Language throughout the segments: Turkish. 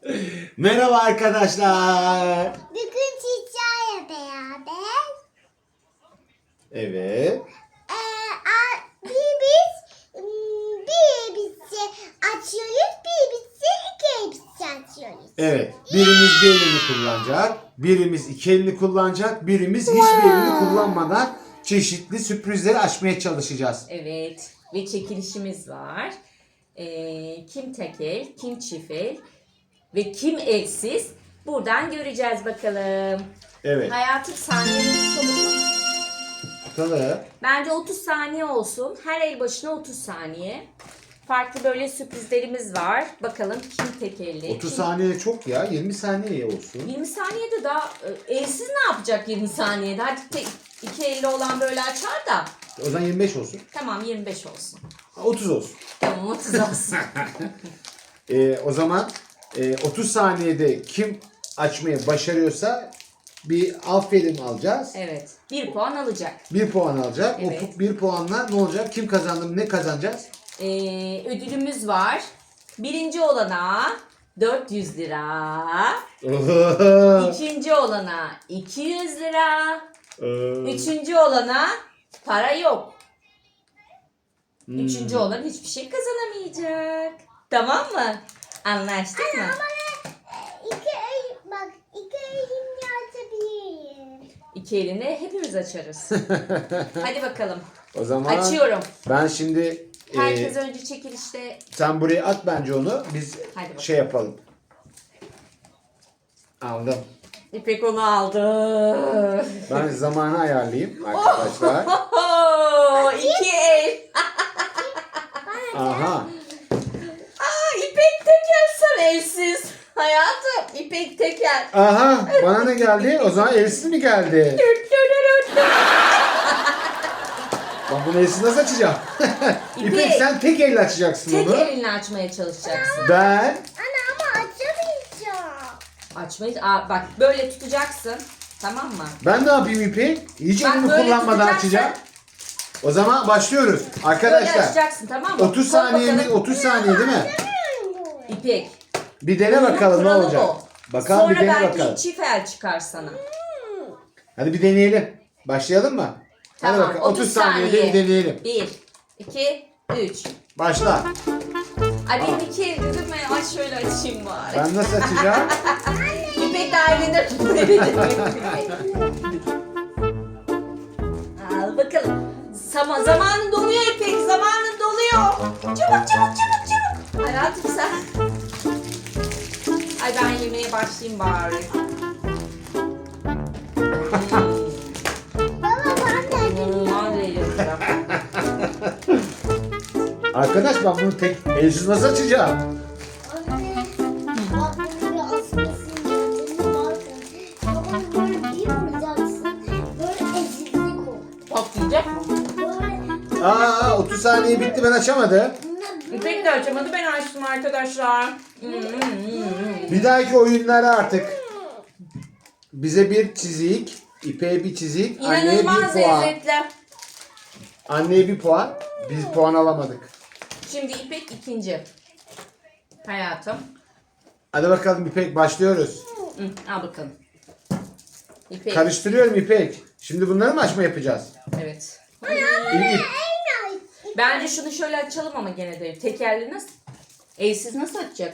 Merhaba arkadaşlar. Bugün sizlerle beraber Evet. bir elbise açıyoruz, bir iki elbise açıyoruz. Evet. Birimiz bir elini kullanacak. Birimiz iki elini kullanacak. Birimiz hiçbir elini kullanmadan çeşitli sürprizleri açmaya çalışacağız. Evet ve çekilişimiz var. Kim tek el, kim çift el ve kim elsiz buradan göreceğiz bakalım. Evet. Hayatım saniyemiz çabuk. Bakalım. Bence 30 saniye olsun. Her el başına 30 saniye. Farklı böyle sürprizlerimiz var. Bakalım kim tek elli. 30 saniye çok ya. 20 saniye olsun. 20 saniyede daha elsiz ne yapacak 20 saniyede? Hadi iki elli olan böyle açar da. O zaman 25 olsun. Tamam 25 olsun. 30 olsun. Tamam 30 olsun. O zaman 30 saniyede kim açmayı başarıyorsa bir aferin alacağız. Evet. 1 puan alacak. 1 puan alacak. Evet. O 1 puanla ne olacak? Kim kazandı? Ne kazanacağız? Ödülümüz var. Birinci olana 400 lira. İkinci olana 200 lira. Üçüncü olana para yok. Üçüncü olan hiçbir şey kazanamayacak. Tamam mı? Anlaştık mı? İki elimle açabilirim. İki elini hepimiz açarız. Hadi bakalım. O zaman Açıyorum. ben şimdi Herkes önce çekilişte. sen buraya at bence onu. Biz Hadi bakalım. şey yapalım. Aldım. İpek onu aldı. Ben zamanı ayarlayayım arkadaşlar. İki el. Aha. İpek Teker sen elsiz. Hayatım İpek Teker. Aha. Bana ne geldi? O zaman elsiz mi geldi? Ben bunu elsiz nasıl açacağım? İpek sen tek elle açacaksın Tek onu. elinle açmaya çalışacaksın. Ben Ana ama açamayacağım. Açmayı bak böyle tutacaksın. Tamam mı? ben ne yapayım İpek? Hiç Bak, elimi böyle kullanmadan tutacaksın. açacağım. O zaman başlıyoruz. Böyle Arkadaşlar açacaksın tamam mı? 30 Koy saniye mi? bakalım. 30 saniye değil mi? İpek. Bir dene Bunun bakalım ne kuralı olacak. bu. Bakalım Sonra bir dene belki bakalım. çift el çıkar sana. Hadi bir deneyelim. Başlayalım mı? Hadi Tamam, bakalım. 30 30 saniyede bir deneyelim. 1, 2, 3. Başla. Ay benim iki el dedim ben. Ay şöyle açayım bari. Ben nasıl açacağım? İpek daha elinde tutuyor. Al bakalım. Zamanın doluyor İpek. Zamanın doluyor. Çabuk çabuk çabuk çabuk. Hayatım sen. Ay ben yemeğe başlayayım bari. Baba ben de İnanılmaz eğlenceli. Arkadaş ben bunu tek elsiz nasıl açacağım? anne. Bak bunu bir asmasın diye. Bakın. Baba böyle bir vuracaksın. Böyle ezildik o. Patlayacak mı? Böyle. 30 saniye bitti ben açamadım. İpek de açamadı ben açtım arkadaşlar. Bir dahaki oyunlara artık bize bir çizik, İpek'e bir çizik, anneye bir İnanılmaz puan. lezzetli. Anneye bir puan. Biz puan alamadık. Şimdi İpek ikinci. Hayatım. Hadi bakalım İpek başlıyoruz. Al bakalım. İpek. Karıştırıyorum İpek. Şimdi bunları mı açma yapacağız? Evet. İp. Bence şunu şöyle açalım ama gene de. Tekerli nasıl? Elsiz nasıl açacak?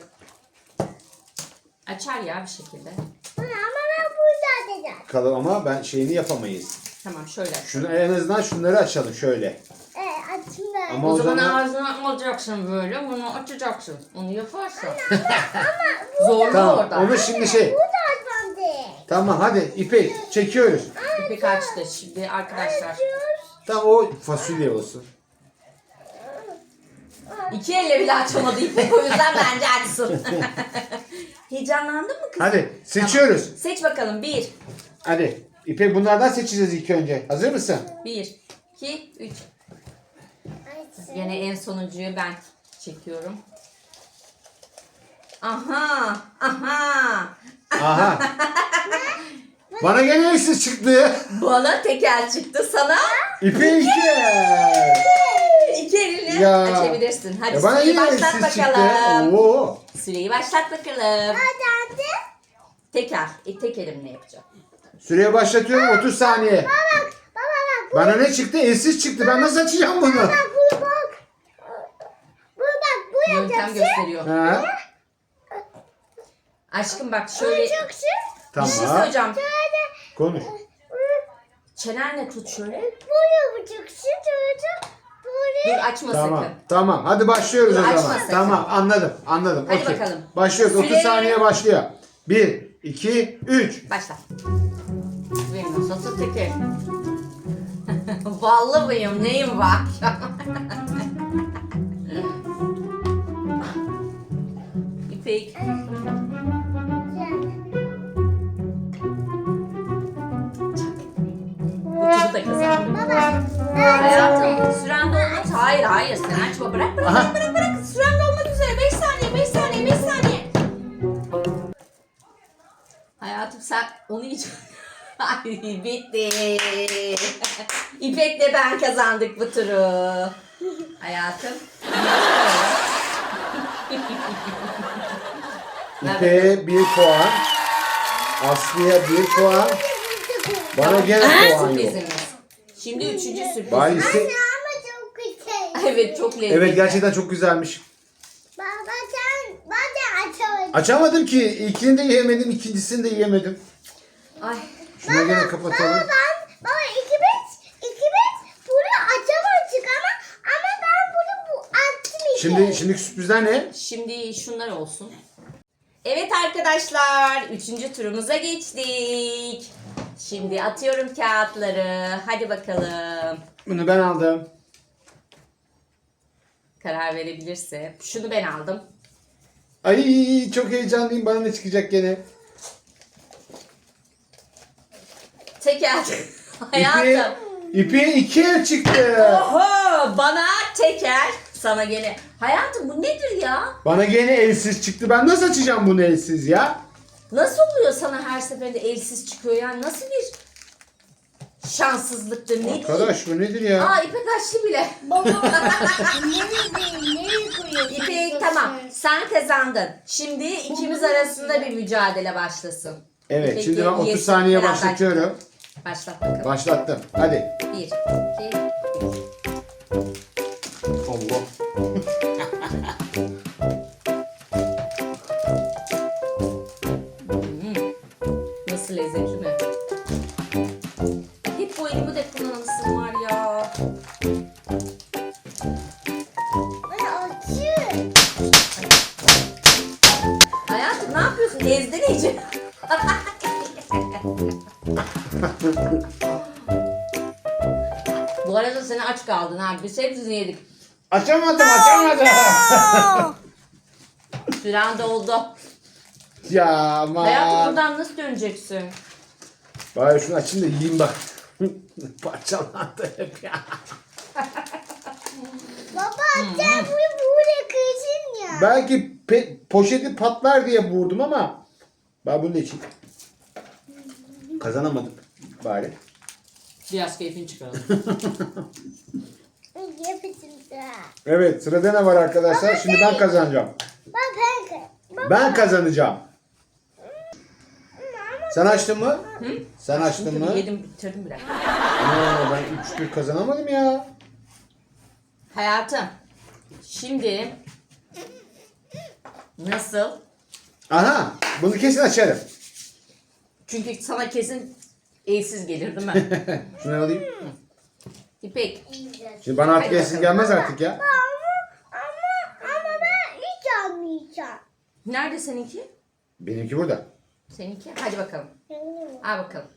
Açar ya bir şekilde. Ama ben burada açacağım. Bakalım ama ben şeyini yapamayız. Tamam şöyle aç. Şunu en azından şunları açalım şöyle. Açayım ben. Ama O o zaman zaman ağzına alacaksın böyle. Bunu açacaksın. Onu yaparsan. Zorlu tamam. orada. Onu şimdi şey. Burada açmam değil. Tamam hadi İpek çekiyoruz. İpek açtı. Şimdi arkadaşlar. Tamam o fasulye olsun. İki elle bile açamadı İpek. O yüzden bence açsın. Heyecanlandın mı kız? Hadi seçiyoruz. Tamam. Seç bakalım. 1, Hadi. İpek bunlardan seçeceğiz ilk önce. Hazır mısın? 1, 2, 3. Yine en sonuncuyu ben çekiyorum. Aha, aha. Aha. Bana gene elsiz çıktı. Bana tekel çıktı sana. İpek iki. İki elinle Ya. açabilirsin. Hadi Bana süreyi yine başlat elsiz bakalım. çıktı. Oo. Süreyi başlat bakalım. Hadi. Tekrar. Tek elimle yapacağım. Süreye başlatıyorum 30 saniye. Baba bak. Bana ne çıktı? Elsiz çıktı. Ben nasıl açacağım bunu? Bak bunu bak. Bu Yöntem yapacaksın. gösteriyor. Ha? Aşkım bak şöyle bir Yapacaksın. Tamam. şey söyleyeceğim. Konuş. Çenenle tut şöyle. Bu yapacaksın. Böyle. Dur açma Tamam. sakın. Tamam. Hadi başlıyoruz o Açma zaman. sakın. Tamam. Anladım. Hadi Okey. bakalım. Başlıyoruz. 30 Süre- saniye başlıyor. 1, 2, 3. Başla. Benim nasıl teker? Ballı mıyım? Neyim var? İpek. Ucunu da kazandım. Hayatım süren dolmak. Hayır sen açma. Bırak. Aha. Bırak. Süren dolmak üzere. 5 saniye. 5 saniye. Hayatım sen onu hiç... Ay bitti. İpek'le ben kazandık bu turu. Hayatım. İpe 1 puan. Aslı'ya 1 puan. Bana gene puan yok. Sürprizimiz. Şimdi 3. sürpriz. Bari ise... Ama çok güzel. Evet çok lezzetli. Evet gerçekten çok güzelmiş. Baba sen bana açamadın. Açamadım ki. İlkini de yiyemedim, ikincisini de yiyemedim. Ay. Şuna gene kapatalım. Baba ikimiz bunu açamadık ama ben bunu açtım işte. Şimdiki sürprizler ne? Şimdi şunlar olsun. Evet arkadaşlar 3. turumuza geçtik. Şimdi atıyorum kağıtları. Hadi bakalım. Bunu ben aldım. Karar verebilirse. Şunu ben aldım. Ay çok heyecanlıyım. Bana ne çıkacak gene? Teker. Hayatım. İpi 2 el çıktı. Oho, bana teker. Sana gene. Hayatım bu nedir ya? Bana gene elsiz çıktı. Ben nasıl açacağım bunu elsiz ya? Nasıl oluyor sana her seferinde elsiz çıkıyor yani? Nasıl bir şanssızlıktır? Ne diyeyim? Arkadaş bu nedir ya? Aa İpek açtı bile. Baba nereye koyuyorsun? İpek tamam. Sen kazandın. Şimdi ikimiz arasında bir mücadele başlasın. Evet İpek şimdi ben 30 yesin, saniye beraber başlatıyorum. Başlat bakalım. Başlattım. Hadi. 1, 2, 3. Allah. Nasıl lezzetli mi? Hep bu elimi de kullanılsın var ya. Bana açın. Hayatım ne yapıyorsun? Ezdin iyice. Bu arada sen aç kaldın ha. Biz hepsini yedik. Açamadım. Süren doldu. Ya aman. Hayatım buradan nasıl döneceksin? Bari şunu açayım da yiyeyim bak. Parçalandı hep ya. Baba sen bunu böyle kırsın ya. Belki poşeti patlar diye vurdum ama ben bunu da içeyim. Kazanamadım bari. Biraz keyfini çıkaralım. Yapışın da. Evet sırada ne var arkadaşlar? Şimdi ben kazanacağım. Ben kazanacağım. Sen açtın mı? Sen açtın mı? Yedim bitirdim bile. Aa, ben 3-1 kazanamadım ya. Hayatım. Şimdi nasıl? Aha bunu kesin açarım. Çünkü sana kesin elsiz gelir değil mi? Şunu alayım. İpek. Şimdi bana artık Hadi elsiz bakalım. gelmez artık ya. Ama ben hiç almayacağım. Nerede seninki? Benimki burada. Seninki. Hadi bakalım. Al bakalım.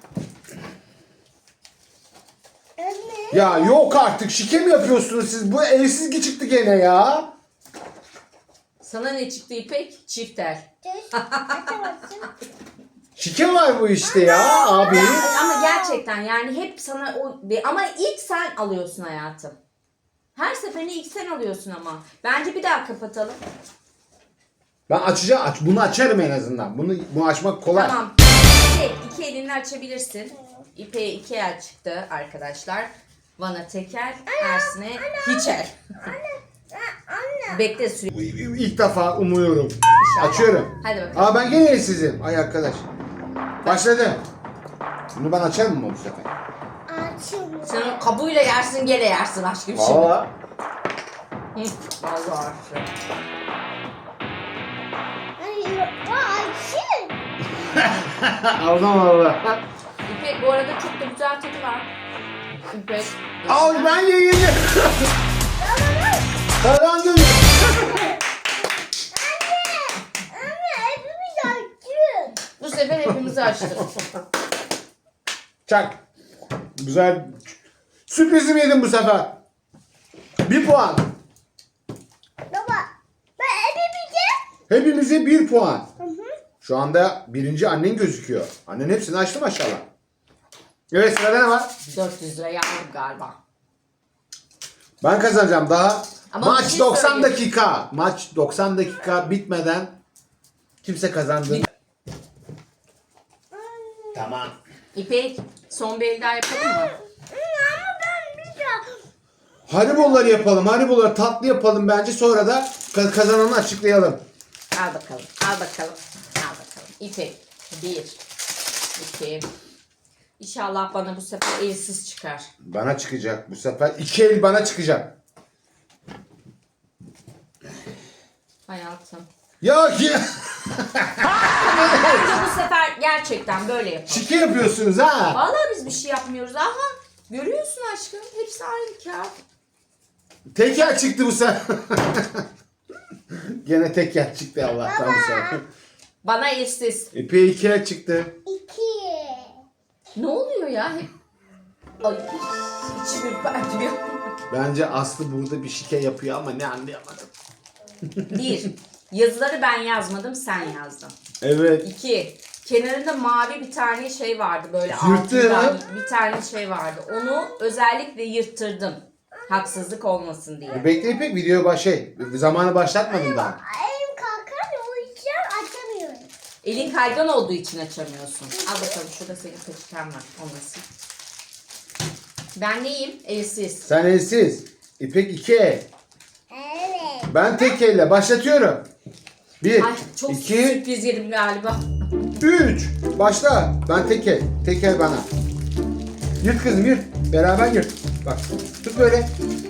Anne. Ya yok artık şike mi yapıyorsunuz siz? Bu elsiz çıktı gene ya. Sana ne çıktı İpek? Çifter. Açamazsın. Şike var bu işte ya abi. Ama gerçekten yani hep sana o ama ilk sen alıyorsun hayatım. Her seferinde ilk sen alıyorsun ama. Bence bir daha kapatalım. Ben açacağım. Bunu açarım en azından. Bunu açmak kolay. Tamam. İki elinle açabilirsin. İpeğe 2 el çıktı arkadaşlar. Van'a teker, Ersin'e hiçer. Anne. Bekle süre. İlk defa umuyorum. İnşallah. Açıyorum. Hadi bakalım. Aa ben gene elsizim. Ay arkadaş. Başladı. Bunu ben açar mı bu sefer? Açılmıyor. Sen o kabuğuyla yersin, gene yersin aşkım şimdi. Valla. Hı, vallahi aşkım. Hayır. Açın. Aldım valla. İpek bu arada çok da güzel tadı var. İpek. Al ben yenildim. Kazandım. Anne hepimiz açın. Bu sefer hepimizi açtık. Çak. Güzel. Sürprizim yedim bu sefer. 1 puan. Baba. Ben hepimize. Hepimize 1 puan. Hı hı. Şu anda birinci annen gözüküyor. Annen hepsini açtı maşallah. Evet sırada ne var? 400 lira yandım galiba. Ben kazanacağım daha. Ama bir Maç şey 90 söyleyeyim. dakika. Maç 90 dakika bitmeden kimse kazandı. Tamam. İpek son bir el daha yapalım mı? Ama ben bir daha. Hariboları yapalım. Hariboları tatlı yapalım bence. Sonra da kazananı açıklayalım. Al bakalım. Al bakalım. Al bakalım. İpek. 1 2. İnşallah bana bu sefer elsiz çıkar. Bana çıkacak bu sefer. 2 el bana çıkacak. Hayatım. Ya Bence bu sefer gerçekten böyle yapalım. şike yapıyorsunuz ha. Vallahi biz bir şey yapmıyoruz. Aha. Görüyorsun aşkım. Hepsi aynı kağıt. Teker çıktı bu sefer. Gene teker çıktı Allah'tan bu sefer. Bana elsiz. İpe 2 el çıktı. 2. Ne oluyor ya? Hep... Ay. İçim ürpertiyor. Bence Aslı burada bir şike yapıyor ama ne anlayamadım. 1. Yazıları ben yazmadım, sen yazdın. Evet. 2. Kenarında mavi bir tane şey vardı böyle Yırttı. altında bir tane şey vardı. Onu özellikle yırttırdım. Haksızlık olmasın diye. Bekle İpek video zamanı başlatmadım daha. Elim kalkar o yüzden açamıyorum. Elin kaygan olduğu için açamıyorsun. Al bakalım şurada senin peçeten var. Onu sil. Ben neyim? Elsiz. Sen elsiz. İpek 2 el. Evet. Ben tek elle başlatıyorum. 1, Ay çok 2, sürpriz yedim galiba. 3. Başla. Ben tek el. Tek el bana. Yırt kızım yırt. Beraber yırt. Bak tut böyle.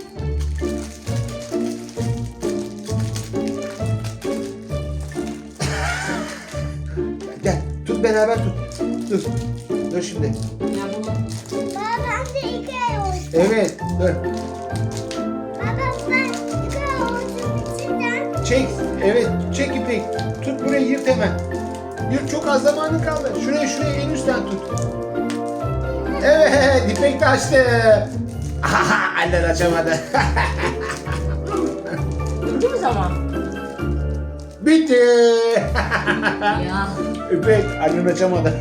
Gel. Tut beraber tut. Dur. Dur şimdi. Ya bunu Baba ben de 2 ay olsun. Evet. Dur. Baba ben 2 ay olsun içinden. Çek. Evet. Çek İpek. Tut burayı yırt hemen. Yırt çok az zamanın kaldı. Şuraya en üstten tut. Evet. İpek de açtı. Aha, annen açamadı. bitti mi zaman? Bitti. Ya. İpek annen açamadı.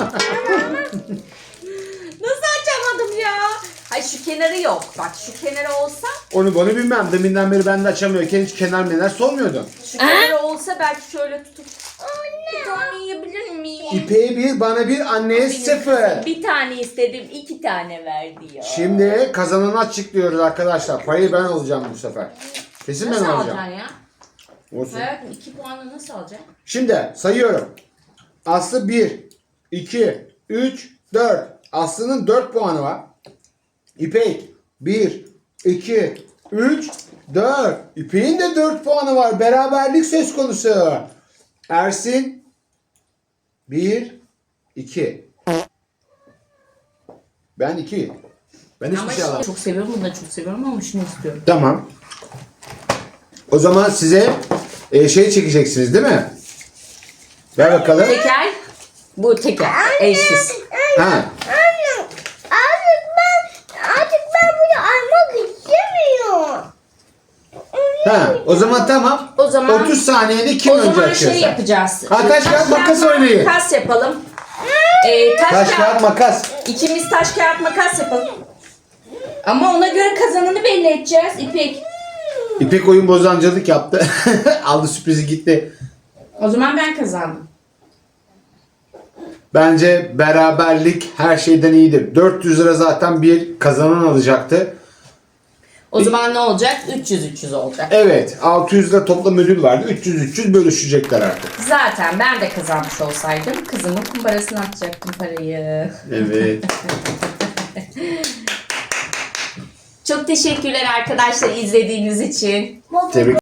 Nasıl açamadım ya? Hayır şu kenarı yok. Bak şu kenarı olsa, Onu bilmem. Deminden beri ben de açamıyorken hiç kenar sormuyordum. şu kenarı olsa belki şöyle tutup bir tane yiyebilir miyim? İpek'e 1, bana 1, anneye Benim 0. kızım bir tane istedim, 2 tane verdi ya. Şimdi kazananı açıklıyoruz arkadaşlar. Parayı ben alacağım bu sefer. Kesin nasıl ben alacağım. alacaksın ya? Olsun. Hayatım 2 puanla nasıl alacaksın? Şimdi sayıyorum. Aslı 1, 2, 3, 4. Aslı'nın 4 puanı var. İpek 1, 2, 3, 4. İpek'in de 4 puanı var. Beraberlik söz konusu. Ersin 1, 2. Ben 2. Ben hiçbir Ama şey şimdi alamam. çok seviyorum, bunu da çok seviyorum ama şunu istiyorum. Tamam. O zaman size şey çekeceksiniz değil mi? Ver bakalım. Teker, bu teker, eşsiz. Ha. Anne artık ben bunu almak istemiyorum. Ha. O zaman tamam. O zaman 30 saniyede kim O önce zaman açıyorsa. şey yapacağız. Ha, taş kağıt makas oynayın. Makas yapalım. Taş kağıt makas. İkimiz taş kağıt makas yapalım. Ama ona göre kazananı belli edeceğiz İpek. İpek oyun bozancılık yaptı. Aldı sürprizi gitti. O zaman ben kazandım. Bence beraberlik her şeyden iyidir. 400 lira zaten bir kazanan alacaktı. O zaman ne olacak? 300-300 olacak. Evet, 600 lira toplam ödül vardı. 300-300 bölüşecekler artık. Zaten ben de kazanmış olsaydım kızımın kumbarasına atacaktım parayı. Evet. Çok teşekkürler arkadaşlar izlediğiniz için. Baba, Tebrik